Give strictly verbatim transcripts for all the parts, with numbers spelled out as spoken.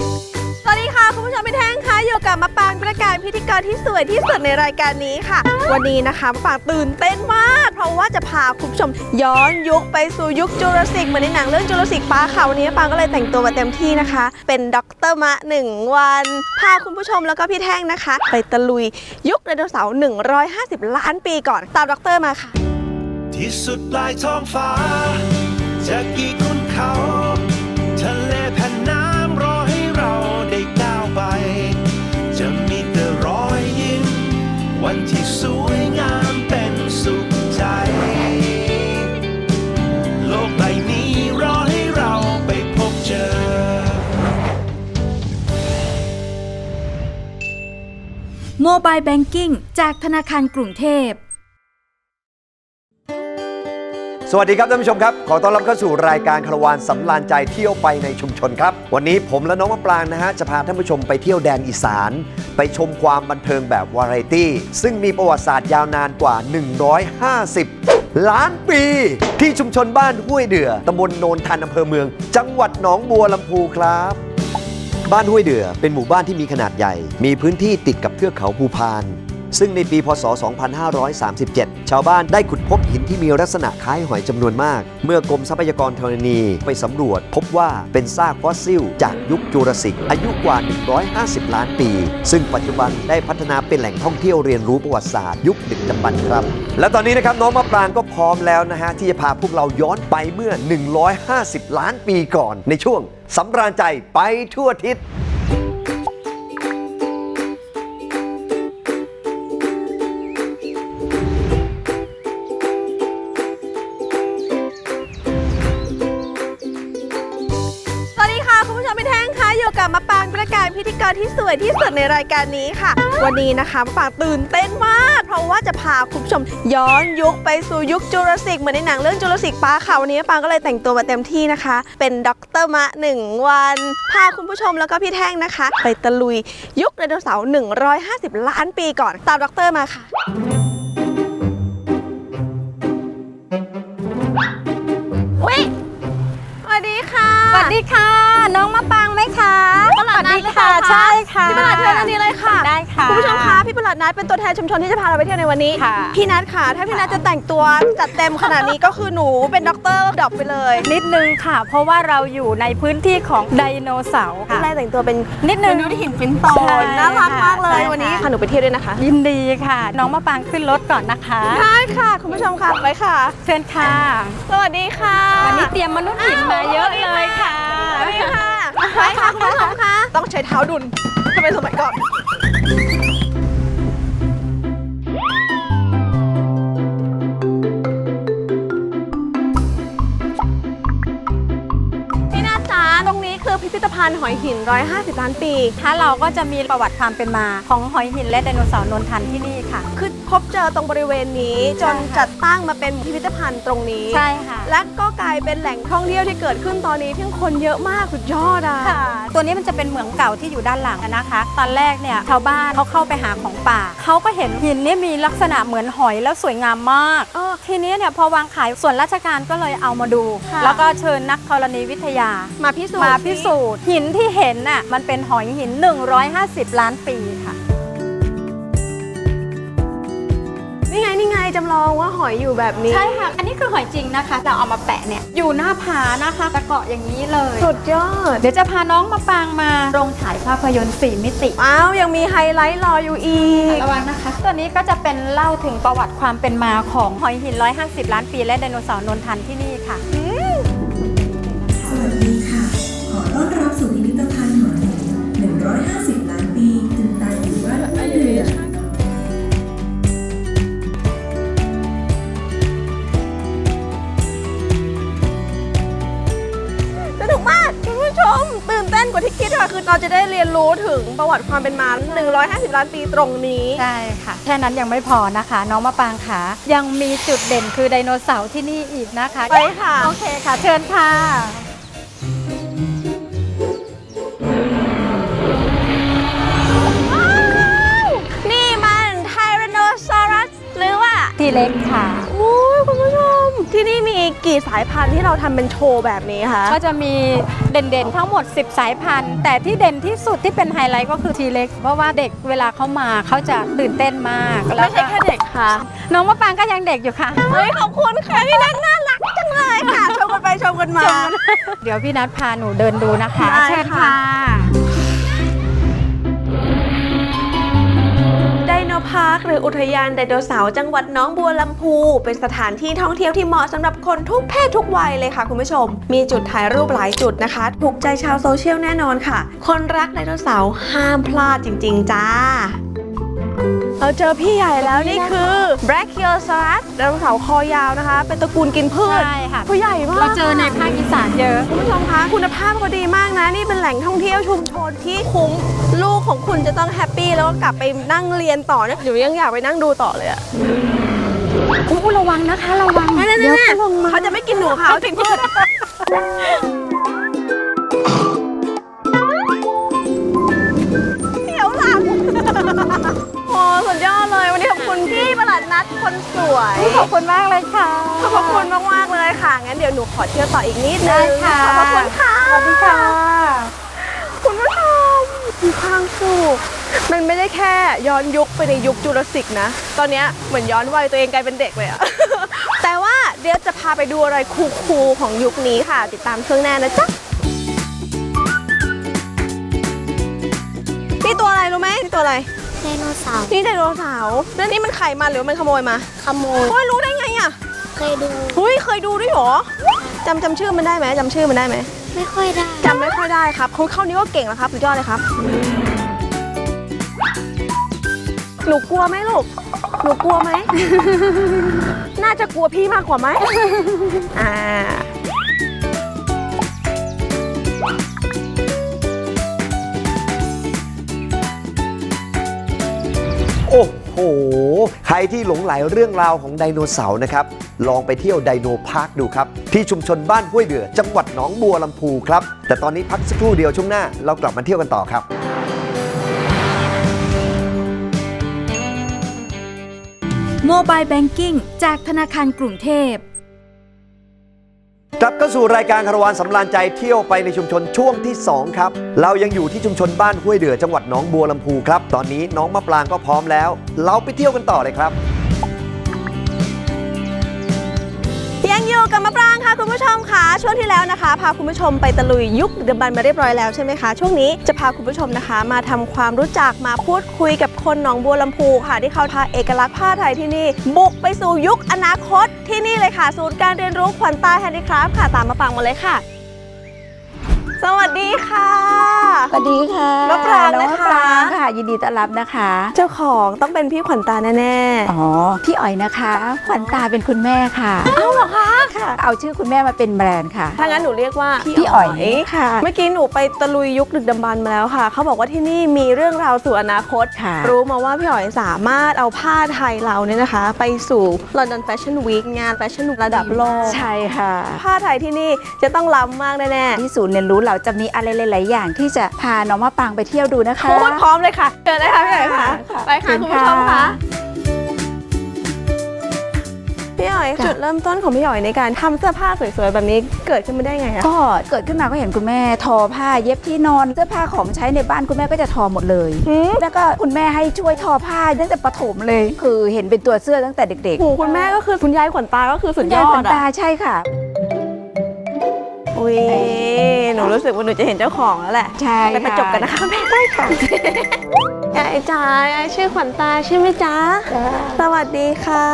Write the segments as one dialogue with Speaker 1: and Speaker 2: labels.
Speaker 1: สวัสดีค่ะคุณผู้ชมพี่แท่งค่ะอยู่กับมะปรางประการพิธีกรที่สวยที่สุดในรายการนี้ค่ะวันนี้นะคะมะปรางตื่นเต้นมากเพราะว่าจะพาคุณผู้ชมย้อนยุคไปสู่ยุคจูราสสิกเหมือนในหนังเรื่องจูราสสิกปาร์คค่ะวันนี้มะปรางก็เลยแต่งตัวมาเต็มที่นะคะเป็นด็อกเตอร์มะหนึ่งวันพาคุณผู้ชมแล้วก็พี่แท่งนะคะไปตะลุยยุคไดโนเสาร์หนึ่งร้อยห้าสิบล้านปีก่อนตามด็อกเตอร์มาค่ะ
Speaker 2: ที่สุดปลายท้องฟ้าจะกี่คุณเขาทะเลแผ่นน้ำรอให้เราได้ก้าวไปจะมีแต่รอยยิ้มวันที่สวยงามเป็นสุขใจโลกใบนี้รอให้เราไปพบเจอ
Speaker 3: โมบายแบงกิ้งจากธนาคารกรุงเทพ
Speaker 4: สวัสดีครับท่านผู้ชมครับขอต้อนรับเข้าสู่รายการคาราวานสำราญใจเที่ยวไปในชุมชนครับวันนี้ผมและน้องมะปรางนะฮะจะพาท่านผู้ชมไปเที่ยวแดนอีสานไปชมความบันเทิงแบบวาไรตี้ซึ่งมีประวัติศาสตร์ยาวนานกว่าหนึ่งร้อยห้าสิบล้านปีที่ชุมชนบ้านห้วยเดือตำบลโนนทันอำเภอเมืองจังหวัดหนองบัวลำพูครับบ้านห้วยเดือเป็นหมู่บ้านที่มีขนาดใหญ่มีพื้นที่ติดกับเทือกเขาภูพานซึ่งในปีพ.ศ. สองพันห้าร้อยสามสิบเจ็ด ชาวบ้านได้ขุดพบหินที่มีลักษณะคล้ายหอยจำนวนมากเมื่อกรมทรัพยากรธรณีไปสำรวจพบว่าเป็นซากฟอสซิลจากยุคจูราสสิกอายุกว่าหนึ่งร้อยห้าสิบล้านปีซึ่งปัจจุบันได้พัฒนาเป็นแหล่งท่องเที่ยวเรียนรู้ประวัติศาสตร์ยุคดึกดำบรรพ์ครับและตอนนี้นะครับน้องมะปรางก็พร้อมแล้วนะฮะที่จะพาพวกเราย้อนไปเมื่อหนึ่งร้อยห้าสิบล้านปีก่อนในช่วงสำราญใจไปทั่วทิศ
Speaker 1: อยู่กับมะปรางประการพิธีกรที่สวยที่สุดในรายการนี้ค่ะวันนี้นะคะมะปรางตื่นเต้นมากเพราะว่าจะพาคุณผู้ชมย้อนยุคไปสู่ยุคจูราสสิกเหมือนในหนังเรื่องจูราสสิกปาร์คค่ะวันนี้มะปรางก็เลยแต่งตัวมาเต็มที่นะคะเป็นด็อกเตอร์มะหนึ่งวันพาคุณผู้ชมแล้วก็พี่แท่งนะคะไปตะลุยยุคไดโนเสาร์หนึ่งร้อยห้าสิบล้านปีก่อนตามด็อกเตอร์มาค่ะอุ๊ยสวัสดีค่ะ
Speaker 5: สวัสดีค่ะน้องมะปรางไหมคะ
Speaker 1: ตลาดนัดค่ะ
Speaker 5: ใช่ค่ะ
Speaker 1: พี่ประหลัดเชิญอันนี้เลยค่ะ
Speaker 5: ได้ค่ะ
Speaker 1: คุณผู้ชมคะพี่ประหลัดนัดเป็นตัวแทนชุมชนที่จะพาเราไปเที่ยวในวันนี้พี่นัทค่ะถ้าพี่นัทจะแต่งตัวจัดเต็มขนาดนี้ก็คือหนูเป็นด็อกเตอร์ดอกไปเลย
Speaker 5: นิดนึงค่ะเพราะว่าเราอยู่ในพื้นที่ของไดโนเสาร์ค่ะ
Speaker 1: แรกแต่งตัวเป็น
Speaker 5: นิดนึง
Speaker 1: ดูที่หินฟินโตน่ารักมากเลยวันนี้พาหนูไปเที่ยวด้วยนะคะ
Speaker 5: ยินดีค่ะน้องมะปรางขึ้นรถก่อนนะคะ
Speaker 1: ได้ค่ะคุณผู้ชมค่ะไปค่ะ
Speaker 5: เชิญค่ะ
Speaker 1: สวัสดีค่ะ
Speaker 5: วันนี้เตรียมมนุษย์หินมาเยอะเลยค่ะ
Speaker 1: สวัสดีค่ะไปค่ะคุณผู้ชมค่ะต้องใช้เท้าดุลถ้าเป็นสมัยก่อนตรงนี้คือพิพิธภัณฑ์หอยหินหนึ่งร้อยห้าสิบล้านปี
Speaker 5: ถ้าเราก็จะมีประวัติความเป็นมาของหอยหินและไดโนเสาร์นนทันที่นี่ค่ะ
Speaker 1: คือพบเจอตรงบริเวณนี้จนจัดตั้งมาเป็นพิพิธภัณฑ์ตรงนี้
Speaker 5: ใช่ค่ะ
Speaker 1: และก็กลายเป็นแหล่งท่องเที่ยวที่เกิดขึ้นตอนนี้ที่คนเยอะมากสุดยอดอ่ะ
Speaker 5: ตัวนี้มันจะเป็นเหมืองเก่าที่อยู่ด้านหลังนะคะตอนแรกเนี่ยชาวบ้านเขาเข้าไปหาของป่าเขาก็เห็นหินนี่มีลักษณะเหมือนหอยแล้วสวยงามมากทีนี้เนี่ยพอวางขายส่วนราชการก็เลยเอามาดูแล้วก็เชิญนักธรณีวิทยา
Speaker 1: มาพิสูจน์
Speaker 5: มาพิสูจน์หินที่เห็นน่ะมันเป็นหอยหินหนึ่งร้อยห้าสิบล้านปีค่ะ
Speaker 1: นี่ไงนี่ไงจำลองว่าหอยอยู่แบบนี้
Speaker 5: ใช่ค่ะอันนี้คือหอยจริงนะคะเราเอามาแปะเนี่ยอยู่หน้าผานะคะตะเกาะอย่างนี้เลย
Speaker 1: สุดยอด
Speaker 5: เดี๋ยวจะพาน้องมาปางมาโรงฉายภาพยนตร์สี่มิติ
Speaker 1: อ้าวยังมีไฮไลท์รออยู่อีก
Speaker 5: ระวังนะคะตัวนี้ก็จะเป็นเล่าถึงประวัติความเป็นมาของหอยหินหนึ่งร้อยห้าสิบล้านปีและไดโนเสาร์นนทันที่นี่ค่ะ
Speaker 6: สวัสดีค่ะขอต้อนรับสู่พิพิธภัณฑ์หอยหินหนึ่งร้อยห้าสิบล้านปีถึงตายอยู่บ้านห้วยเดือ
Speaker 1: สนุกมากคุณผู้ชมตื่นเต้นกว่าที่คิดค่ะคือเราจะได้เรียนรู้ถึงประวัติความเป็นมาหนึ่งร้อยห้าสิบล้านปีตรงนี้
Speaker 5: ใช่ค่ะแค่นั้นยังไม่พอนะคะน้องมะปรางค่ะยังมีจุดเด่นคือไดโนเสาร์ที่นี่อีกนะคะ
Speaker 1: ไปค่ะ
Speaker 5: โอเคค่ะเชิญค่ะ
Speaker 1: นี่มันไทแรนโนซอรัสหรือว่า
Speaker 5: ทีเล็กค่ะ
Speaker 1: โอ้ยคุณผู้ชมที่นี่มีกี่สายพันธุ์ที่เราทำเป็นโชว์แบบนี้คะ
Speaker 5: ก็จะมีเด่นๆทั้งหมดสิบสายพันธุ์แต่ที่เด่นที่สุดที่เป็นไฮไลท์ก็คือทีเล็กเพราะว่าเด็กเวลาเขามาเขาจะตื่นเต้นมากแล้ว
Speaker 1: ไม่ใช่แค่เด็กค่ะ
Speaker 5: น้องมะปรางก็ยังเด็กอยู่ค่ะ
Speaker 1: เฮ้ยขอบคุณค่ะพี่นัทน่ารักจังเลยค่ะชมกันไปชมกันมา
Speaker 5: เดี๋ยวพี่นัทพาหนูเดินดูนะคะ
Speaker 1: ได้
Speaker 5: เชิญ
Speaker 1: ค่ะ
Speaker 5: ค่ะ
Speaker 1: ไดโนพาร์คหรืออุทยานไดโนเสาร์จังหวัดหนองบัวลำพูเป็นสถานที่ท่องเที่ยวที่เหมาะสำหรับคนทุกเพศทุกวัยเลยค่ะคุณผู้ชม มีจุดถ่ายรูปหลายจุดนะคะ ถูกใจชาวโซเชียลแน่นอนค่ะ คนรักไดโนเสาร์ห้ามพลาดจริง ๆ จ้า เราเจอพี่ใหญ่แล้วนี่คือ Brachiosaurus ไดโนเสาร์คอยาวนะคะ เป็นตระกูลกินพืช
Speaker 5: ใช่ค่ะ
Speaker 1: ผู้ใหญ่มาก
Speaker 5: เราเจอในภาคอีสานเยอะ
Speaker 1: คุณผู้ชมคะคุณภาพเขาดีมากนะ นี่เป็นแหล่งท่องเที่ยวชุมชนที่คุ้มลูกของคุณจะต้องแฮปปี้แล้วก็กลับไปนั่งเรียนต่อเนี่ยหนูยังอยากไปนั่งดูต่อเลยอะ
Speaker 5: อู้ระวังนะคะระวัง
Speaker 1: นั่น
Speaker 5: เดี๋ยว
Speaker 1: ๆๆเขาจะไม่กินหนูค่ะเขากินพืชเดี๋ยวหลังโอ้สุดยอดเลยวันนี้ขอบคุณพี่ประหลัดนัดคนสวย
Speaker 5: ขอบคุณมากเลยค่ะ
Speaker 1: ขอบคุณมากๆเลยค่ะงั้นเดี๋ยวหนูขอเที่ยวต่ออีกนิดนึ
Speaker 5: ได้
Speaker 1: ง
Speaker 5: ค่ะ
Speaker 1: ขอบคุณค่ะ
Speaker 5: สวัสดีค่ะ
Speaker 1: คุณผู้ชมมีความสุขมันไม่ได้แค่ย้อนยุคไปในยุคจูราสสิกนะ ตอนเนี้ยเหมือนย้อนวัยตัวเองกลายเป็นเด็กเลยอะ แต่ว่าเดี๋ยวจะพาไปดูอะไรคูลๆของยุคนี้ค่ะ ติดตามช่วงหน้านะจ๊ะนี่ตัวอะไรรู้ไหมนี่ตัวอะไร
Speaker 7: ไดโนเสาร์
Speaker 1: นี่ไดโนเสาร์แล้วนี่มันไข่มาหรือมันขโมยมา
Speaker 7: ขโมย
Speaker 1: โอ้ยรู้ได้ไงอะ
Speaker 7: เคยดู
Speaker 1: เฮ้ยเคยดูด้วยเหรอจำจำชื่อมันได้ไหมจำชื่อมันได้ไหม
Speaker 7: ไม่ค่อยได้
Speaker 1: จำไม่ค่อยได้ครับเขาเข้านี้ก็เก่งแล้วครับสุดยอดเลยครับ หนูกลัวไหมลูก หนูกลัวไหม น่าจะกลัวพี่มากกว่าไหม อ่า
Speaker 4: โอ้โห ใครที่หลงไหลเรื่องราวของไดโนเสาร์นะครับ ลองไปเที่ยวไดโนพาร์คดูครับ ที่ชุมชนบ้านห้วยเดือจังหวัดหนองบัวลำพูครับ แต่ตอนนี้พักสักครู่เดียวช่วงหน้าเรากลับมาเที่ยวกันต่อครับ
Speaker 3: โมบายแบงกิ้งจากธนาคารกรุงเทพ
Speaker 4: กลับเข้าสู่รายการคาราวานสำราญใจเที่ยวไปในชุมชนช่วงที่สองครับ เรายังอยู่ที่ชุมชนบ้านห้วยเดือจังหวัดหนองบัวลำพูครับ ตอนนี้น้องมะปรางก็พร้อมแล้ว เราไปเที่ยวกันต่อเลยครับ
Speaker 1: ยังอยู่กับมะปรางค่ะคุณผู้ชมค่ะช่วงที่แล้วนะคะ พาคุณผู้ชมไปตะลุยยุคดึกดำบรรพ์มาเรียบร้อยแล้วใช่ไหมคะช่วงนี้จะพาคุณผู้ชมนะคะ มาทำความรู้จักมาพูดคุยกับคนหนองบัวลำพูค่ะ ที่เขาพาเอกลักษณ์ผ้าไทยที่นี่บุกไปสู่ยุคอนาคตที่นี่เลยค่ะ ศูนย์การเรียนรู้ขวัญตาแฮนดี้คราฟต์ค่ะตามมะปรางมาเลยค่ะ สวัสดีค่ะ
Speaker 8: สวัสดีค่ะ
Speaker 1: มะปราง
Speaker 8: น้อง
Speaker 1: นะคะ
Speaker 8: มะปรางค่ะ ยินดีต้อนรับนะคะ
Speaker 1: เจ้าของต้องเป็นพี่ขวัญตาแน่ๆ
Speaker 8: อ๋อ พี่อ๋อยนะคะ ขวัญตาเป็นคุณแม่ค่ะ
Speaker 1: เอ้าเหรอคะ
Speaker 8: ค่ะ เอาชื่อคุณแม่มาเป็นแบรนด์ค่ะ
Speaker 1: ถ้างั้นหนูเรียกว่า
Speaker 8: พี่อ๋อยค่ะ
Speaker 1: เมื่อกี้หนูไปตะลุยยุคดึกดำบรรพ์มาแล้วค่ะ เขาบอกว่าที่นี่มีเรื่องราวสู่อนาคต
Speaker 8: ค่ะ
Speaker 1: รู้มาว่าพี่อ๋อยสามารถเอาผ้าไทยเราเนี่ยนะคะ ไปสู่ London Fashion Week งานแฟชั่นระดับโลก
Speaker 8: ใช่ค่ะ
Speaker 1: ผ้าไทยที่นี่จะต้องล้ำมากแน่
Speaker 8: ที่ศูนย์เรียนรู้เราจะมีอะไรหลาย ๆ อย่างที่จะพาน้องมะปรางไปเที่ยวดูนะ
Speaker 1: ๆ
Speaker 8: คะ
Speaker 1: พูดพร้อมเลยค่ะเชิญเลยค่ะพี่อ๋อยค่ะ
Speaker 8: ค่ะ
Speaker 1: ไปค่ะ
Speaker 8: เชิญ
Speaker 1: คุณผู้ชม
Speaker 8: ค่ะ
Speaker 1: ค่ะพี่อ๋อยจุดเริ่มต้นของพี่อ๋อยในการทำเสื้อผ้าสวยๆแบบนี้เกิดขึ้นมาได้ไงอะ
Speaker 8: ก็เกิดขึ้นมาก็เห็นคุณแม่ทอผ้าเย็บที่นอนเสื้อผ้าของใช้ในบ้านคุณแม่ก็จะทอหมดเลย
Speaker 1: หืม
Speaker 8: แล้วก็คุณแม่ให้ช่วยทอผ้าตั้งแต่ประถมเลย คือเห็นเป็นตัวเสื้อตั้งแต่เด็ก
Speaker 1: โอ้โหคุณแม่ก็คือคุณยายขวัญตาก็คือ
Speaker 8: ๆ
Speaker 1: สุดยอ
Speaker 8: ขวั
Speaker 1: ด
Speaker 8: ญตา
Speaker 1: อะ
Speaker 8: ใช่ค่ะ
Speaker 1: อุ้ยหนูรู้สึกว่าหนูจะเห็นเจ้าของแล้วแหละ
Speaker 8: ใช่
Speaker 1: ไปประจบกันนะคะแม่ได้ค่ะยายจ๋ายายชื่อขวัญตาใช่ไหมจ๊ะสวัสดีค่ะ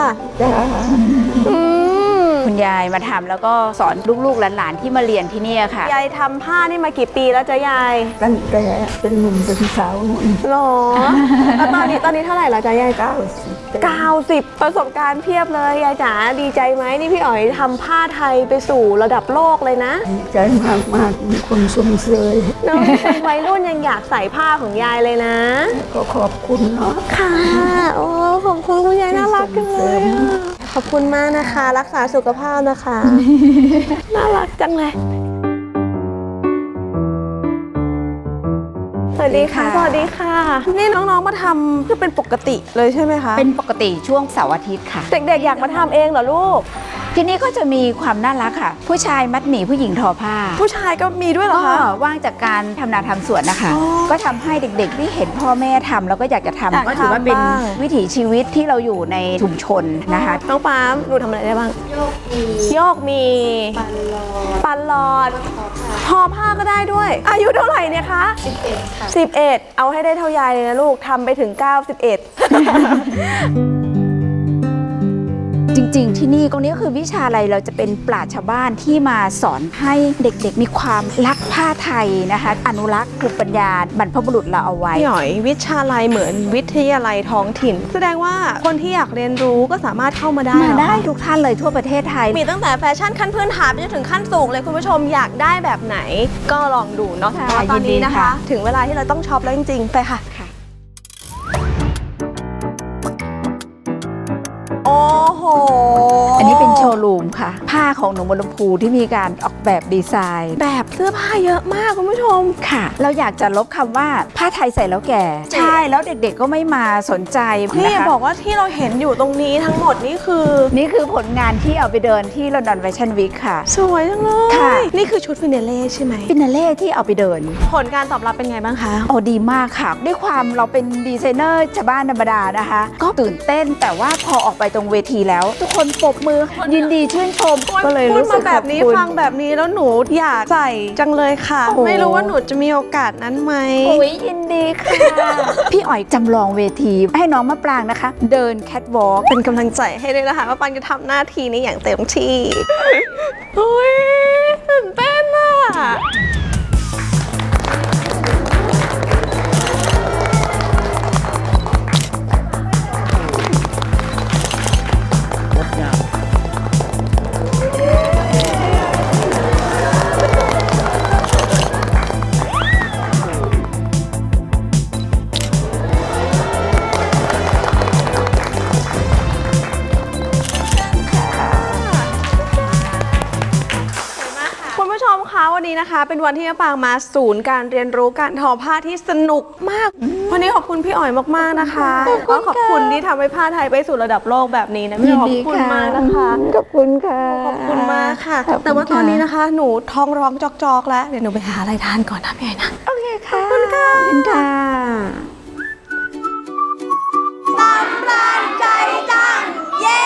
Speaker 1: อืม
Speaker 8: คุณยายมาทำแล้วก็สอนลูกๆหลานๆที่มาเรียนที่เนี่ยค่ะ
Speaker 1: ยายทำผ้านี่มากี่ปีแล้วจ๊ะยาย
Speaker 9: ตั้งแต่เป็นหนุ่มเป็นสาวหนุ่ม
Speaker 1: หรอแล้วตอนนี้ตอนนี้เท่าไหร่แล้วจ๊ะยาย
Speaker 9: เก้าสิบ
Speaker 1: เก้าสิบประสบการณ์เพียบเลยยายจ๋าดีใจไหมนี่พี่อ๋อยทำผ้าไทยไปสู่ระดับโลกเลยนะ
Speaker 9: ดีใจมากมากๆมีคนสมเสย
Speaker 1: น้องเป็นวัยรุ่นยังอยากใส่ผ้าของยายเลยนะ
Speaker 9: ก็ขอบคุณเนาะ
Speaker 1: ค่ะโอ้ขอบคุณคุณยายน่ารักจังเลยอะขอบคุณมากนะคะ รักษาสุขภาพนะคะ น่ารักจังเลย สวัสดีค่ะ สวัสดีค่ะ นี่น้องๆมาทำคือเป็นปกติเลยใช่ไหมคะ
Speaker 8: เป็นปกติช่วงเสาร์อาทิตย์ค่ะ
Speaker 1: เด็กๆอยากมาทำเองเหรอลูก
Speaker 8: ที่นี่ก็จะมีความน่ารักค่ะ ผู้ชายมัดหมี่ผู้หญิงทอผ้า
Speaker 1: ผู้ชายก็มีด้วยเหรอ
Speaker 8: ก็
Speaker 1: คะ
Speaker 8: ว่างจากการทำนาทำสวนนะคะ
Speaker 1: อ๋อ
Speaker 8: ก็ทำให้เด็กๆที่เห็นพ่อแม่ทำแล้วก็อยากจะทำ
Speaker 1: อยาก
Speaker 8: ก็ถือว่าเป็น
Speaker 1: ทำบ้าง
Speaker 8: วิถีชีวิตที่เราอยู่ในชุมชนนะคะ
Speaker 1: น้องปามหนูทำอะไรได้บ้าง
Speaker 7: โยกมี
Speaker 1: โยกมี
Speaker 7: ปันรอ
Speaker 1: ปันหลอดทอผ้าก็ได้ด้วย อายุเท่าไหร่เนี่ยคะ
Speaker 7: สิบเอ็ดค่ะ
Speaker 1: สิบเอ็ดเอาให้ได้เท่ายายเลยนะลูกทำไปถึงเก้าสิบเอ็ด
Speaker 8: จริงๆ ที่นี่ตรงนี้ก็คือวิชาอะไรเราจะเป็นปราชญ์ชาวบ้านที่มาสอนให้เด็กๆ มีความรักผ้าไทยนะคะ อนุรักษ์ภูมิปัญญาบรรพบุรุษเราเอาไว้
Speaker 1: พี่หน่อยวิชาลัยเหมือนวิทยาลัยท้องถิ่น แสดงว่าคนที่อยากเรียนรู้ก็สามารถเข้ามาได้
Speaker 8: มา
Speaker 1: เหรอ
Speaker 8: ได้
Speaker 1: คะ
Speaker 8: ทุกท่านเลยทั่วประเทศไทย
Speaker 1: มีตั้งแต่แฟชั่นขั้นพื้นฐานไปจนถึงขั้นสูงเลยคุณผู้ชมอยากได้แบบไหนก็ลองดูเนาะ
Speaker 8: ค่ะ
Speaker 1: แต่ว่าตอนนี้
Speaker 8: ยินดี
Speaker 1: นะคะ
Speaker 8: ค่ะ
Speaker 1: ถึงเวลาที่เราต้องช็อปแล้วจริงๆ ไปค่ะ โอ้โห
Speaker 8: อันนี้เป็นโชว์รูมค่ะ ผ้าของหนองบัวลำพูที่มีการออกแบบดีไซน์
Speaker 1: แบบเสื้อผ้าเยอะมากคุณผู้ชม
Speaker 8: ค่ะ เราอยากจะลบคำว่าผ้าไทยใส่แล้วแก่ ใช่แล้วเด็กๆก็ไม่มาสนใจ
Speaker 1: พี่
Speaker 8: นะคะ
Speaker 1: บอกว่าที่เราเห็นอยู่ตรงนี้ทั้งหมดนี่คือ
Speaker 8: นี่คือผลงานที่เอาไปเดินที่ลอนดอนแฟชั่นวีคค่ะ
Speaker 1: สวยจังเลย
Speaker 8: ค่ะ
Speaker 1: นี่คือชุดฟินาเล่ใช่ไหม
Speaker 8: ฟินาเล่ที่เอาไปเดิน
Speaker 1: ผลการตอบรับเป็นไงบ้างคะ
Speaker 8: โอ้ดีมากค่ะ ด้วยความเราเป็นดีไซเนอร์ชาวบ้านธรรมดานะคะ ก็ตื่นเต้นแต่ว่าพอออกไปตรงเวทีแล้ว ทุกคนปรบมือยินดีชื่นชม ก็เลย
Speaker 1: พูด
Speaker 8: รู้สึ
Speaker 1: มาก แบบนี้
Speaker 8: ขอบคุณ
Speaker 1: ฟังแบบนี้แล้วหนูอยากใส่จังเลยค่ะ
Speaker 8: โอ้โห
Speaker 1: ไม่รู้ว่าหนูจะมีโอกาสนั้นไหม
Speaker 8: โอ้ยยินดีค่ะ พี่อ๋อยจำลองเวทีให้น้องมะปรางนะคะ เดินแคทวอล์ก
Speaker 1: เป็นกำลังใจให้ด้วยนะคะว่าปันจะทำหน้าที่นี้อย่างเต็มที่เฮ้ยตื่นเต้นอ่ะ คุณผู้ชมคะวันนี้นะคะ เป็นวันที่มะปรางมาศูนย์การเรียนรู้การทอผ้าที่สนุกมาก วันนี้ขอบคุณพี่อ๋อยมากๆนะคะแล้วก็ขอบคุณที่ทำให้ผ้าไทยไปสู่ระดับโลกแบบนี้นะพี่อ๋อยขอบคุณมากนะคะ
Speaker 8: ขอบคุณค่ะ
Speaker 1: ขอบคุณมากค่ะ
Speaker 8: ขอบคุณ
Speaker 1: แต่ว่าตอนนี้
Speaker 8: ค่ะ
Speaker 1: นะคะ หนูท้องร้องจอกๆแล้วเดี๋ยวหนูไปหาอะไรทานก่อนนะพี่อ๋อยนะ
Speaker 8: โอเคค่ะ ขอบคุณค่ะ ขอบคุณค่ะ
Speaker 1: ตามรานใจจังเย้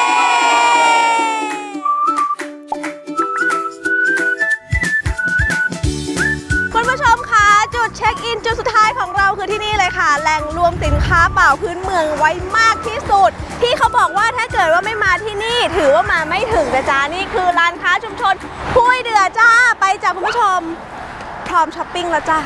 Speaker 1: คุณผู้ชมคะจุดเช็คอินจุดสุดท้ายของเราคือที่นี่เลยค่ะ แหล่งรวมสินค้าเปล่าพื้นเมืองไว้มากที่สุด ที่เขาบอกว่าถ้าเกิดว่าไม่มาที่นี่ ถือว่ามาไม่ถึงนะจ๊ะนี่คือร้านค้าชุมชนห้วยเดือจ้าไปจ้ะคุณผู้ชม พร้อมช้อปปิ้งแล้วจ้า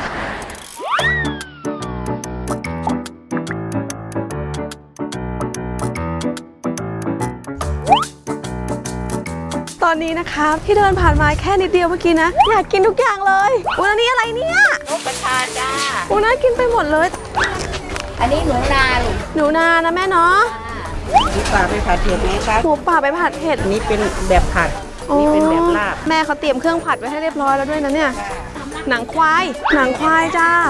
Speaker 1: ตอนนี้นะคะที่เดินผ่านมาแค่นิดเดียวเมื่อกี้นะ อยากกินทุกอย่างเลยอุ้ยอันนี้อะไรเนี่ยนกกระทาจ้าอุ้ยน่ากินไปหมดเลย
Speaker 8: อันนี้หนูนาลูก
Speaker 1: หนูนานะแม่เนาะ
Speaker 9: หมูป่าไปผัดเผ็ดไหมคะ
Speaker 1: หมูป่าไปผัดเผ็ด
Speaker 9: อันนี้เป็นแบบผัดอันนี้เป็นแบบลาบ
Speaker 1: แม่เขาเตรียมเครื่องผัดไว้ให้เรียบร้อยแล้วด้วยนะเนี่ยหนังควายหนังควายจ้า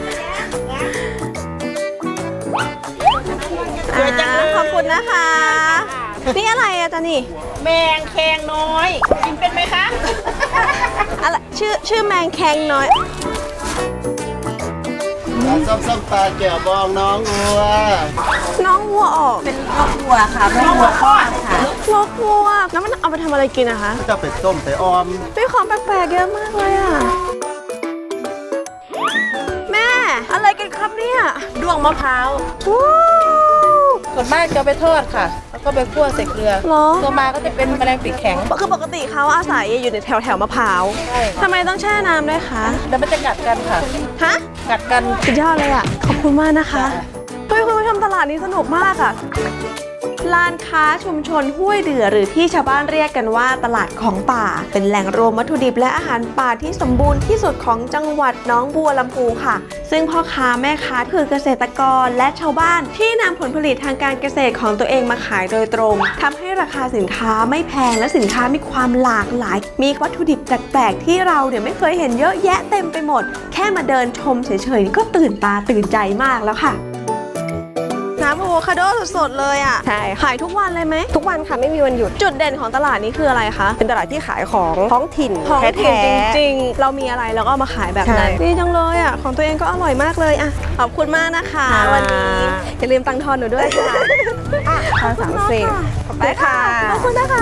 Speaker 1: อ่าขอบคุณนะคะนี่อะไรอะจ๊ะนี่
Speaker 9: แมงแคงน้อย กินเป็นไหมคะ
Speaker 1: อะไรชื่อชื่อแมงแคงน้อย
Speaker 10: ส้มส้มปลาเกี่ยวบองน้องวัว
Speaker 1: น้องวัวออกเป็น
Speaker 8: ครอบครัวค่ะครอบครัวคลอดค่ะ
Speaker 1: วัววัวแล้วมันเอาไปทำอะไรกินอะคะ
Speaker 10: จะเป็ดต้มแต่ออม
Speaker 1: มีของแปลกๆเยอะมากเลยอะแม่อะไรกันครับเนี่ย
Speaker 9: ด้วงมะพร้าว
Speaker 1: ว้าว
Speaker 9: ส่วนมากจะไปทอดค่ะ แล้วก็ไปคั่วใส่เกลือ
Speaker 1: เหรอ
Speaker 9: ตัวมาก็จะเป็นแมลงปีกแข็ง
Speaker 1: คือปกติเขาอาศัยอยู่ในแถวแถวๆมะพร้าว
Speaker 9: ใช่
Speaker 1: ทำไมต้องแช่น้ำด้วยคะ
Speaker 9: แล้วมันจะกัดกันค่ะ
Speaker 1: ฮะ
Speaker 9: กัดกัน
Speaker 1: สุดยอดเลยอ่ะ ขอบคุณมากนะคะเฮ้ยคุณผู้ชมตลาดนี้สนุกมากอ่ะ ลานค้าชุมชนห้วยเดือหรือที่ชาวบ้านเรียกกันว่าตลาดของป่า เป็นแหล่งรวมวัตถุดิบและอาหารป่าที่สมบูรณ์ที่สุดของจังหวัดหนองบัวลำพูค่ะ ซึ่งพ่อค้าแม่ค้าคือเกษตรกรและชาวบ้านที่นำผลผลิตทางการเกษตรของตัวเองมาขายโดยตรงทำให้ราคาสินค้าไม่แพงและสินค้ามีความหลากหลาย มีวัตถุดิบแปลกๆที่เราเนี่ยไม่เคยเห็นเยอะแยะเต็มไปหมด แค่มาเดินชมเฉยๆนี่ก็ตื่นตาตื่นใจมากแล้วค่ะ ไหนน้ำอะโวคาโดสดๆเลยอ่ะ
Speaker 11: ใช่
Speaker 1: ขายทุกวันเลยไหม
Speaker 11: ทุกวันค่ะไม่มีวันหยุด
Speaker 1: จุดเด่นของตลาดนี้คืออะไรคะ
Speaker 11: เป็นตลาดที่ขายของท้องถิ่น
Speaker 1: ของ
Speaker 11: แท้
Speaker 1: ถิ่น
Speaker 11: ๆ
Speaker 1: จริงๆ เรามีอะไรเราก็เอามาขายแบบนั้น
Speaker 11: ใช่
Speaker 1: ดีจังเลยอ่ะของตัวเองก็อร่อยมากเลยอ่ะขอบคุณมากนะคะ
Speaker 11: ค่ะ
Speaker 1: วันนี้อย่าลืมตังค์ทอนหนูด้วยค่ะ
Speaker 11: ทางสามสิบ
Speaker 1: ขอบคุณค่ะขอบคุณนะคะ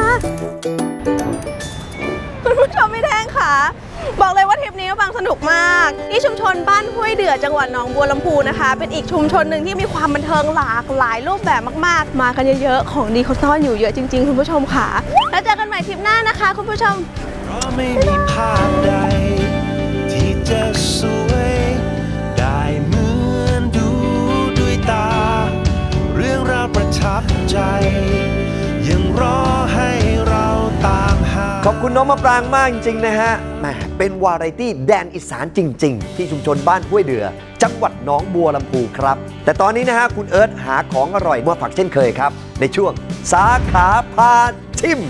Speaker 1: คุณผู้ชมไม่แท้งค่ะ บอกเลยว่าทริปนี้บางสนุกมากที่ชุมชนบ้านห้วยเดือจังหวัดหนองบัวลำพูนะคะ เป็นอีกชุมชนหนึ่งที่มีความบันเทิงหลากหลายรูปแบบมากๆ มากันเยอะๆของดีเขาซ่อนอยู่เยอะจริงๆคุณผู้ชมค่ะแล้วเจอกันใหม่ทริปหน้านะคะคุณผู้ชม
Speaker 2: เพราะไม่มีภาพใด ที่จะสวยได้เหมือนดูด้วยตา เรื่องราวประทับใจ ยังรอให้เราตามหา
Speaker 4: ขอบคุณน้องมะปรางมากจริง ๆ นะฮะแหมเป็นวาไรตี้แดนอีสานจริง ๆ ที่ชุมชนบ้านห้วยเดือ จังหวัดหนองบัวลำพูครับ แต่ตอนนี้นะฮะคุณเอิร์ธหาของอร่อยมาฝากเช่นเคยครับ ในช่วงสาขาพาชิม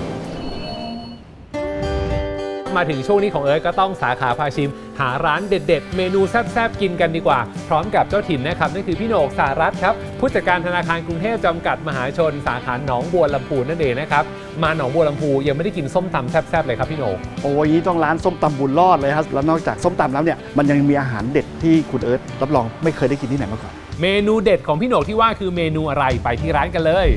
Speaker 12: มาถึงช่วงนี้ของเอิร์ธก็ต้องสาขาพาชิม หาร้านเด็ดๆ เมนูแซ่บๆ กินกันดีกว่า พร้อมกับเจ้าถิ่นนะครับนั่นคือพี่โหนกสารัตน์ครับผู้จัดการธนาคารกรุงเทพจำกัดมหาชนสาขาหนองบัวลำพูนั่นเองนะครับมาหนองบัวลำพูยังไม่ได้กินส้มตำแซ่บๆเลยครับพี่โหนก
Speaker 10: โอ้ยต้องร้านส้มตำบุญรอดเลยครับ แล้วนอกจากส้มตำแล้วเนี่ยมันยังมีอาหารเด็ดที่คุณเอิร์ธรับรองไม่เคยได้กินที่ไหนมาก่อน
Speaker 12: เมนูเด็ดของพี่โหนกที่ว่าคือเมนูอะไรไปที่ร้านกันเลย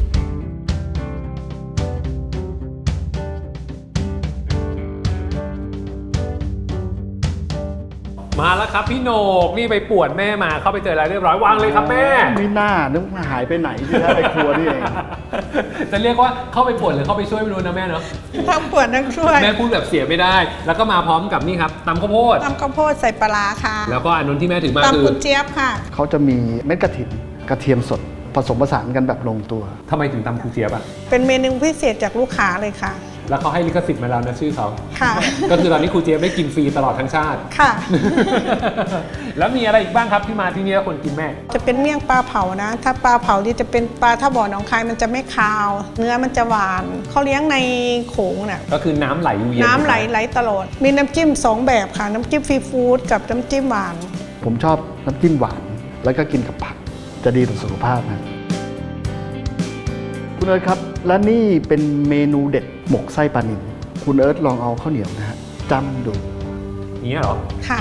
Speaker 12: มาแล้วครับพี่โหนกนี่ไปป่วนแม่มาเข้าไปเจอแล้วเรียบร้อยวางเลยครับแม่
Speaker 10: ไม่น่านึกว่าหายไปไหนที่แท้ไปครัวนี่เอง
Speaker 12: จะเรียกว่าเข้าไปป่วนหรือเข้าไปช่วยไม่รู้นะแม่เนาะ
Speaker 13: ทั้งปวดทั้งช่วย
Speaker 12: แม่พูดแบบเสียไม่ได้ แล้วก็มาพร้อมกับนี่ครับตำข้าวโพด
Speaker 13: ตำข้าวโพดใส่ปลาร้าค่ะ
Speaker 12: แล้วก็อันนู้นที่แม่ถือมาคือ
Speaker 13: ตำกุนเจี๊ยบค่ะ
Speaker 10: เขาจะมีเม็ดกระถิ่นกระเทียมสดผสมผสานกันแบบลงตัว
Speaker 12: ทำไมถึงตำคูเจี๊ยบอ่ะ
Speaker 13: เป็นเมนูพิเศษจากลูกค้าเลยค่ะ
Speaker 12: แล้วเขาให้ลิขสิทธิ์มาแล้วนะชื่อเขา
Speaker 13: ค่ะ
Speaker 12: ก็คือตอนนี้ครูเจี๊ยบได้กินฟรีตลอดทั้งชาติ
Speaker 13: ค่ะ
Speaker 12: แล้วมีอะไรอีกบ้างครับที่มาที่นี่แล้วคนกินแม่
Speaker 13: จะเป็นเมี่ยงปลาเผานะ ถ้าปลาเผาที่จะเป็นปลาถ้าบ่อหนองคายมันจะไม่คาว เนื้อมันจะหวาน เขาเลี้ยงในโขงน่ะ
Speaker 12: ก็คือน้ำไหลอยู่เย็น
Speaker 13: น้ำไหลไหลตลอด มีน้ำจิ้มสองแบบค่ะ น้ำจิ้มฟรีฟู้ดกับน้ำจิ้มหวาน
Speaker 10: ผมชอบน้ำจิ้มหวาน แล้วก็กินกับผักจะดีต่อสุขภาพนะคุณเอิร์ธครับ และนี่เป็นเมนูเด็ดหมกไส้ปลานิลคุณเอิร์ธลองเอาข้าวเหนียวนะฮะจ้ำดู
Speaker 12: นี้เหรอ
Speaker 13: ค่ะ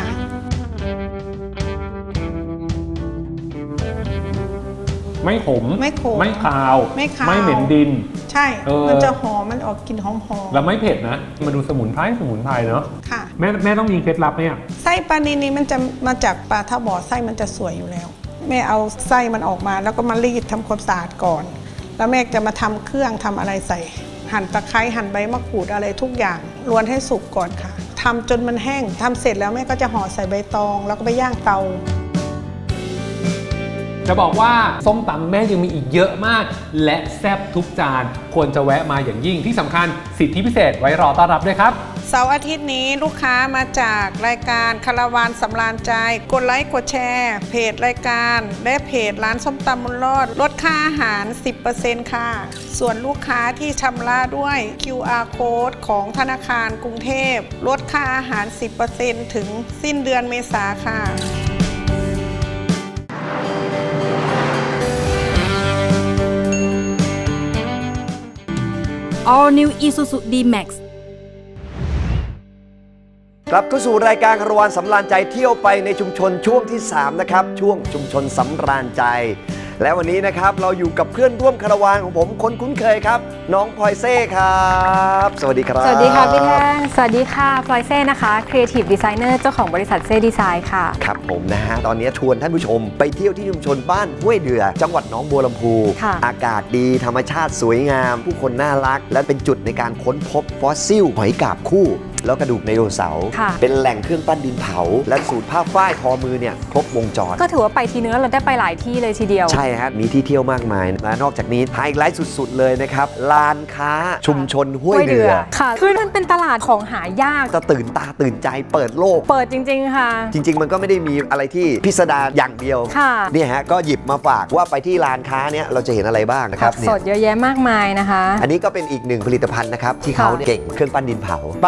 Speaker 12: ไม่ขม
Speaker 13: ไม่ขม
Speaker 12: ไม่คาว
Speaker 13: ไม่คาว
Speaker 12: ไม่เหม็นดิน
Speaker 13: ใช่
Speaker 12: เออ
Speaker 13: มันจะหอม มันออกกลิ่นหอมหอม
Speaker 12: แล้วไม่เผ็ดนะมาดูสมุนไพรสมุนไพรเนาะ
Speaker 13: ค่ะ
Speaker 12: แม่แม่ต้องมีเคล็ดลับไหมอ่ะ
Speaker 13: ไส้ปลานิลนี้มันจะมาจากปลาท่าบ่อไส้มันจะสวยอยู่แล้ว แม่เอาไส้มันออกมาแล้วก็มารีดทำความสะอาดก่อน แล้วแม่จะมาทำเครื่องทำอะไรใส่ หั่นตะไคร้หั่นใบมะกรูดอะไรทุกอย่างรวนให้สุกก่อนค่ะทำจนมันแห้งทำเสร็จแล้วแม่ก็จะห่อใส่ใบตอง แล้วก็ไปย่างเตา
Speaker 12: จะบอกว่าส้มตำแม่ยังมีอีกเยอะมาก และแซ่บทุกจานควรจะแวะมาอย่างยิ่งที่สำคัญสิทธิพิเศษไว้รอต้อนรับด้วยครับ
Speaker 13: เสาร์อาทิตย์นี้ลูกค้ามาจากรายการคาราวานสำราญใจกดไลค์กดแชร์เพจรายการและเพจร้านส้มตำมุนรอดลดค่าอาหาร สิบเปอร์เซ็นต์ ค่ะ ส่วนลูกค้าที่ชำระด้วย คิว อาร์ Code ของธนาคารกรุงเทพลดค่าอาหาร สิบเปอร์เซ็นต์ ถึงสิ้นเดือนเมษาค่ะ
Speaker 3: All New Isuzu D-Max
Speaker 4: กลับเข้าสู่รายการคารวานสำราญใจเที่ยวไปในชุมชนช่วงที่สามนะครับช่วงชุมชนสำราญใจ และวันนี้นะครับเราอยู่กับเพื่อนร่วมคารวานของผมคนคุ้นเคยครับน้องพลอยเซ่ครับสวัสดีครับ
Speaker 14: สวัสดีค่ะพี่แท่งสวัสดีค่ะพลอยเซ่นะคะ Creative Designer เจ้าของบริษัทเซ่ดีไซน์ค่ะ
Speaker 4: ครับผมนะฮะตอนนี้ชวนท่านผู้ชมไปเที่ยวที่ชุมชนบ้านห้วยเดือจังหวัดหนองบัวลำพูอากาศดีธรรมชาติสวยงาม ผู้คนน่ารัก และเป็นจุดในการค้นพบฟอสซิลหอยกาบคู่แล้วกระดูกไดโนเสาร์เป็นแหล่งเครื่องปั้นดินเผาและสูตรผ้าฝ้ายทอมือเนี่ยครบวงจร
Speaker 14: ก็ถือว่าไปทีนึงแล้วเราได้ไปหลายที่เลยทีเดียว
Speaker 4: ใช่ฮะมีที่เที่ยวมากมายและนอกจากนี้ไฮไลท์สุดๆเลยนะครับลานค้าชุมชนห้วยเดือ
Speaker 14: ค่ะคือมันเป็นตลาดของหายาก
Speaker 4: จะตื่นตาตื่นใจเปิดโลก
Speaker 14: เปิดจริงๆค่ะ
Speaker 4: จริงๆมันก็ไม่ได้มีอะไรที่พิสดารอย่างเดียวเนี่ยฮะก็หยิบมาฝากว่าไปที่ลานค้าเนี่ยเราจะเห็นอะไรบ้างนะครับ
Speaker 14: สดเยอะแยะมากมายนะคะ
Speaker 4: อันนี้ก็เป็นอีกหนึ่งผลิตภัณฑ์นะครับที่เขาเก่งเครื่องปั้นดินเผาประมาณนี้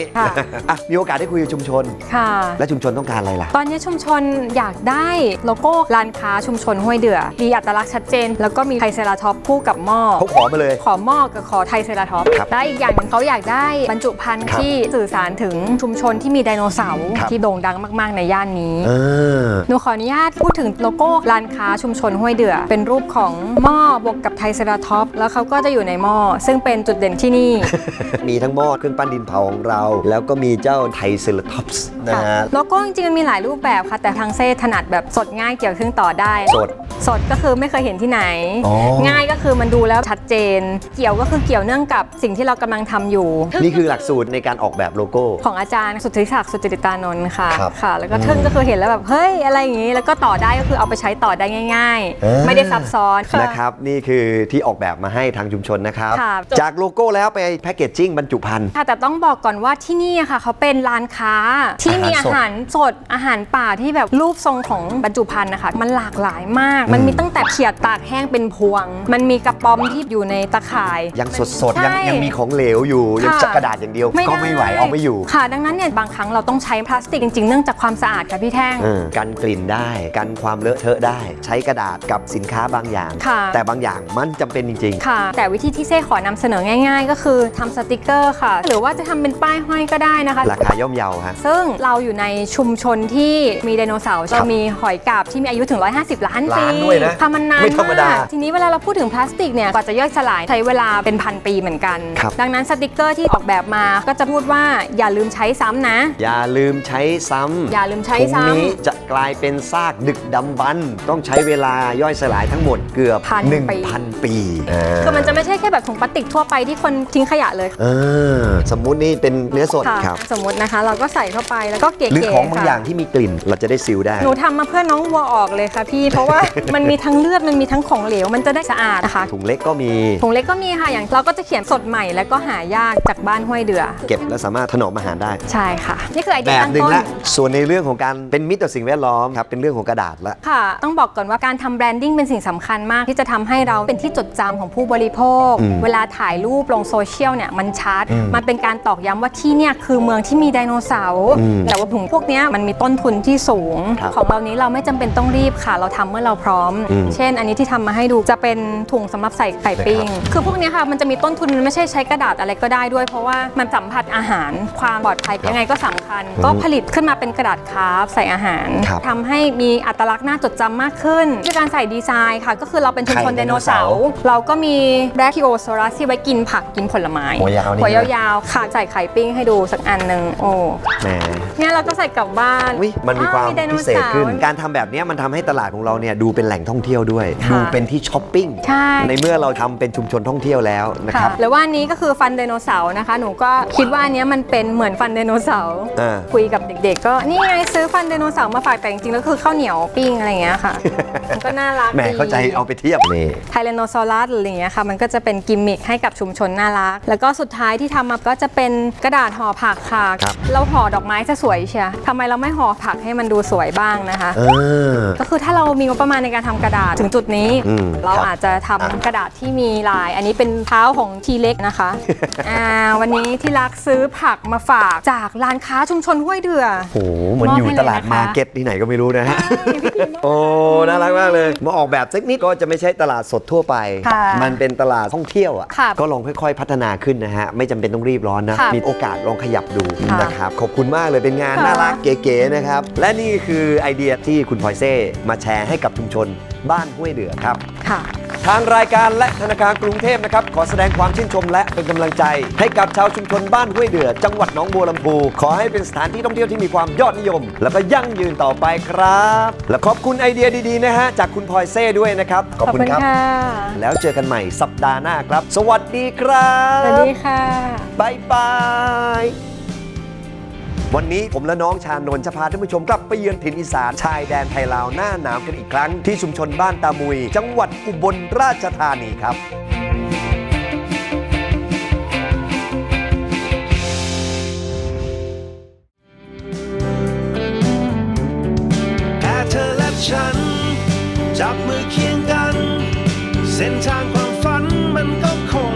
Speaker 14: ค่ะ
Speaker 4: อ่ะมีโอกาสได้คุยกับชุมชน
Speaker 14: ค่ะ
Speaker 4: และชุมชนต้องการอะไรล่ะ
Speaker 14: ตอนนี้ชุมชนอยากได้โลโก้ร้านค้าชุมชนห้วยเดือมีอัตลักษณ์ชัดเจน แล้วก็มีไทรเซราท็อปส์คู่กับหม้อ
Speaker 4: เขาขอมาเลย
Speaker 14: ขอหม้อกับขอไทรเซราท็อปส์
Speaker 4: ครับ
Speaker 14: และอีกอย่างหนึ่งเขาอยากได้บรรจุภัณฑ์
Speaker 4: ครับ
Speaker 14: ที่สื่อสารถึงชุมชนที่มีไดโนเสาร์
Speaker 4: ครับ
Speaker 14: ที่โด่งดังมากๆในย่านนี้
Speaker 4: เออ
Speaker 14: หนูขออนุญาตพูดถึงโลโก้ร้านค้าชุมชนห้วยเดือเป็นรูปของหม้อบวกกับไทรเซราท็อปส์แล้วเขาก็จะอยู่ในหม้อซึ่งเป็นจุดเด่นที่นี่
Speaker 4: มีทั้งหม้อเครื่องปั้นดินเผาของเรา แล้วก็มีเจ้าไทรเซราท็อปส์นะฮะ
Speaker 14: โลโก้จริงๆมันมีหลายรูปแบบค่ะ แต่ทางเซ่ถนัดแบบสดง่ายเกี่ยวเครื่องต่อได้
Speaker 4: สด
Speaker 14: สดก็คือไม่เคยเห็นที่ไหน
Speaker 4: อ๋อ
Speaker 14: ง่ายก็คือมันดูแล้วชัดเจน เกี่ยวก็คือเกี่ยวเนื่องกับสิ่งที่เรากำลังทำอยู่
Speaker 4: นี่คือหลักสูตรในการออกแบบโลโก้
Speaker 14: ของอาจารย์สุทธิศักดิ์สุจริตานนท์ค่ะ
Speaker 4: ครับ
Speaker 14: ค่ะ แล้วก็ทึ่งก็คือเห็นแล้วแบบเฮ้ยอะไรอย่างนี้แล้วก็ต่อได้ก็คือเอาไปใช้ต่อได้ง่าย
Speaker 4: เออ
Speaker 14: ๆ ไม่ได้ซับซ้อน
Speaker 4: นะครับนี่คือที่ออกแบบมาให้ทางชุมชนนะครับ
Speaker 14: ค่ะ
Speaker 4: จากโลโก้แล้วไปแพคเกจจิ้งบรรจุภัณฑ์
Speaker 14: ค่ะแต่ต้องบอกก่อนว่าที่นี่อะค่ะเขาเป็นร้านค้าที่มีอาหารสดอาหารป่าที่แบบรูปทรงของบรรจุภัณฑ์นะคะมันหลากหลายมาก มันมีตั้งแต่เขียดตากแห้งเป็นพวง มันมีกระป๋อมที่อยู่ในตะข่าย
Speaker 4: ยังสดๆ ยัง
Speaker 14: ใช่
Speaker 4: ยังมีของเหลวอยู่ ยัง
Speaker 14: ค่ะ
Speaker 4: จักกระดาษอย่างเดียวก็ไม่ไหวเอาไม่อยู่
Speaker 14: ค่ะ ดังนั้นเนี่ยบางครั้งเราต้องใช้พลาสติกจริงๆ เนื่องจากความสะอาดค่ะพี่แท่ง
Speaker 4: เออกันกลิ่นได้กันความเลอะเทอะได้ ใช้กระดาษกับสินค้าบางอย่าง
Speaker 14: ค่ะ
Speaker 4: แต่บางอย่างมันจำเป็นจริง
Speaker 14: ค่ะ แต่วิธีที่เซ่ขอนำเสนอง่ายๆ ก็คือทำสติกเกอร์ค่ะ หรือว่าจะทำเป็นป้ายห้อยก็ได้นะคะ
Speaker 4: ๆ ราคาย่อมเยาฮะ
Speaker 14: ซึ่งเราอยู่ในชุมชนที่มีไดโนเสาร์
Speaker 4: ครั
Speaker 14: จะ
Speaker 4: บ
Speaker 14: มีหอยกาบที่มีอายุถึงหนึ่งร้อยห้าสิบล้านปี
Speaker 4: ล้านด้วยนะ
Speaker 14: ทำมันนาน
Speaker 4: ไม่ธรรมดาม
Speaker 14: ากทีนี้เวลาเราพูดถึงพลาสติกเนี่ยกว่าจะย่อยสลายใช้เวลาเป็นพันปีเหมือนกัน
Speaker 4: ครับ
Speaker 14: ดังนั้นสติกเกอร์ที่ออกแบบมาก็จะพูดว่าอย่าลืมใช้ซ้ำนะ
Speaker 4: อย่าลืมใช้ซ้ำ
Speaker 14: อย่าลืมใช้
Speaker 4: ถุง
Speaker 14: ซ้ำ
Speaker 4: นี้จะกลายเป็นซากดึกดำบรรพ์ต้องใช้เวลาย่อยสลายทั้งหมดเกือบ
Speaker 14: พัน
Speaker 4: หนึ่ง
Speaker 14: ปี
Speaker 4: พันปีอ่า
Speaker 14: คือมันจะไม่ใช่แค่แบบถุงพลาสติกทั่วไปที่คนทิ้งขยะเลย
Speaker 4: เออสมมุตินี่เป็นเนื้อสด
Speaker 14: ค่ะ
Speaker 4: ครับ
Speaker 14: สมมตินะคะ เราก็ใส่เข้าไปแล้วก็เก๋ๆ
Speaker 4: หรือของบาง
Speaker 14: ค่ะ
Speaker 4: อย่างที่มีกลิ่นเราจะได้ซีลได้
Speaker 14: หนูทำมาเพื่อน้องวัวออกเลยค่ะพี่ เพราะว่า มันมีทั้งเลือดมันมีทั้งของเหลวมันจะได้สะอาดนะคะ
Speaker 4: ถุงเล็กก็มี
Speaker 14: ถุงเล็กก็มีค่ะอย่างเราก็จะเขียนสดใหม่แล้วก็หายากจากบ้านห้วยเดือ
Speaker 4: เก็บและสามารถถนอมอาหารได้
Speaker 14: ใช่ค่ะ นี่คือไอเดี
Speaker 4: แบ
Speaker 14: ย
Speaker 4: บ
Speaker 14: ตั้ง
Speaker 4: หนึ่ง
Speaker 14: ต้น
Speaker 4: ละส่วนในเรื่องของการเป็นมิตรต่อสิ่งแวดล้อมครับเป็นเรื่องของกระดาษละ
Speaker 14: ค่ะ ต้องบอกก่อนว่าการทำแบรนดิ้งเป็นสิ่งสำคัญมากที่จะทำให้เราเป็นที่จดจำของผู้บริโภค
Speaker 4: อืม
Speaker 14: เวลาถ่ายรูปลงโซเชียลเนี่ยมันชัด
Speaker 4: อืม
Speaker 14: มันเป็นการตอกย้ำว่าที่เนี่ยคือเมืองที่มีไดโนเสาร์
Speaker 4: อืม
Speaker 14: แต่ว่าถุงพวกเนี้ยมันมีต้นทุนที่สูง
Speaker 4: ครับ
Speaker 14: ของเรานี้เราไม่จำเป็นต้องรีบค่ะ เราทำเมื่อเราพร้อม
Speaker 4: อืม
Speaker 14: เช่น อันนี้ที่ทำมาให้ดูจะเป็นถุงสำหรับใส่ไข่ปิ้งคือพวกเนี้ยค่ะมันจะมีต้นทุนมันไม่ใช่ใช้กระดาษอะไรก็ได้ด้วย เพราะว่ามันสัมผัสอาหารความปลอดภัยยังไงก็สำคัญ ก็ผลิตขึ้นมาเป็นกระดาษคราฟต์ใส่อาหาร
Speaker 4: ครับ
Speaker 14: ทำให้มีอัตลักษณ์น่าจดจำมากขึ้นด้วยการใส่ดีไซน์ค่ะ ก็คือเราเป็นชุมชน
Speaker 4: ไข่
Speaker 14: ได
Speaker 4: ได
Speaker 14: โน
Speaker 4: โนเสา
Speaker 14: เสา
Speaker 4: ร์
Speaker 14: ร์เราก็มีแบรคิโอซอรัสที่ไว้กินผักกินผลไม้
Speaker 4: หัวยาวนี่
Speaker 14: หัวยาวๆค่ะใส่ไข่ปิ้งให้ดูสักอันหนึ่งโอ้
Speaker 4: แหม
Speaker 14: เนี่ยเราก็ใส่กลับบ้าน
Speaker 4: อุ๊ยมันมีความ
Speaker 14: อ้ไดโน
Speaker 4: พิเศษขึ้น
Speaker 14: สาร์
Speaker 4: การทำแบบนี้มันทำให้ตลาดของเราเนี่ยดูเป็นแหล่งท่องเที่ยวด้วย
Speaker 14: ค่ะ
Speaker 4: ดูเป็นที่ช้อปปิ้ง
Speaker 14: ใช่
Speaker 4: ในเมื่อเราทำเป็นชุมชนท่องเที่ยวแล้วนะค
Speaker 14: ค่ะ
Speaker 4: รับ
Speaker 14: แล้วว่าอันนี้ก็คือฟันไดโนเสาร์นะคะ หนูก็คิดว่าอันเนี้ยมันเป็นเหมือนฟันไดโนเสาร์
Speaker 4: อ่า
Speaker 14: คุยกับเด็กๆ ก็นี่ไงซื้อฟันไดโนเสาร์มาฝากแต่จริงๆแล้วคือข้าวเหนียวปิ้งอะไรอย่างเงี้ยค่ะ มันก็น่ารัก
Speaker 4: แหม
Speaker 14: ดี
Speaker 4: เข้าใจเอาไปเทียบนี่
Speaker 14: ไทแรนโนซอรัสอะไรอย่างเงี้ยค่ะมันก็จะเป็นกิมมิคให้กับชุมชนน่ารัก แล้วก็สุดท้ายที่ทำมาก็จะเป็นกระดาษห่อผักค่ะ
Speaker 4: ครับ
Speaker 14: เราห่อดอกไม้จะสวยเชียทำไมเราไม่ห่อผักให้มันดูสวยบ้างนะคะ
Speaker 4: เออ
Speaker 14: ก็คือถ้าเรามีงบประมาณในการทำกระดาษถึงจุดนี้
Speaker 4: อืม
Speaker 14: เรา
Speaker 4: ครับ
Speaker 14: อาจจะทำกระดาษที่มีลาย อันนี้เป็นเท้าของทีเล็กนะคะ อ่าวันนี้ที่รักซื้อผักมาฝากจากร้านค้าชุมชนห้วยเดือ
Speaker 4: โอ้โหเหมือนอยู่ตลาดมาร์เก็ตที่ไหนก็ไม่รู้นะฮะ โอ้ น่ารักมากเลย มาออกแบบสักนิดก็จะไม่ใช่ตลาดสดทั่วไป
Speaker 14: ค่ะ
Speaker 4: มันเป็นตลาดท่องเที่ยวอ่ะ
Speaker 14: ค่ะ
Speaker 4: ก็ลองค่อยๆ พัฒนาขึ้นนะฮะ ไม่จำเป็นต้องรีบร้อนนะ
Speaker 14: ค่ะ
Speaker 4: มีโอกาสลองขยับดู
Speaker 14: ค่ะ
Speaker 4: นะครับ ขอบคุณมากเลย เป็นงาน
Speaker 14: ค่ะ
Speaker 4: น่ารักเก๋ๆนะครับ และนี่คือไอเดียที่คุณพลอยเซ่มาแชร์ให้กับชุมชนบ้านห้วยเดือครับ
Speaker 14: ค่ะ
Speaker 4: ทางรายการและธนาคารกรุงเทพนะครับขอแสดงความชื่นชมและเป็นกำลังใจ ให้กับชาวชุมชนบ้านห้วยเดือจังหวัดหนองบัวลำพูขอให้เป็นสถานที่ท่องเที่ยวที่มีความยอดนิยม แล้วก็ยั่งยืนต่อไปครับ และขอบคุณไอเดียดีๆนะฮะจากคุณพลอยเซ่ด้วยนะครับขอบคุณครับ
Speaker 14: ค่ะ
Speaker 4: แล้วเจอกันใหม่สัปดาห์หน้าครับ สวัสดีครับ
Speaker 14: สวัสดีค่ะ
Speaker 4: บายบายวันนี้ผมและน้องชานนท์จะพาท่านผู้ชมกลับไปเยือนถิ่นอีสานชายแดนไทยลาวหน้าหนาวกันอีกครั้งที่ชุมชนบ้านตามุย จังหวัดอุบลราชธานีครับ
Speaker 2: แค่เธอและฉัน จับมือเคียงกัน เส้นทางความฝันมันก็คง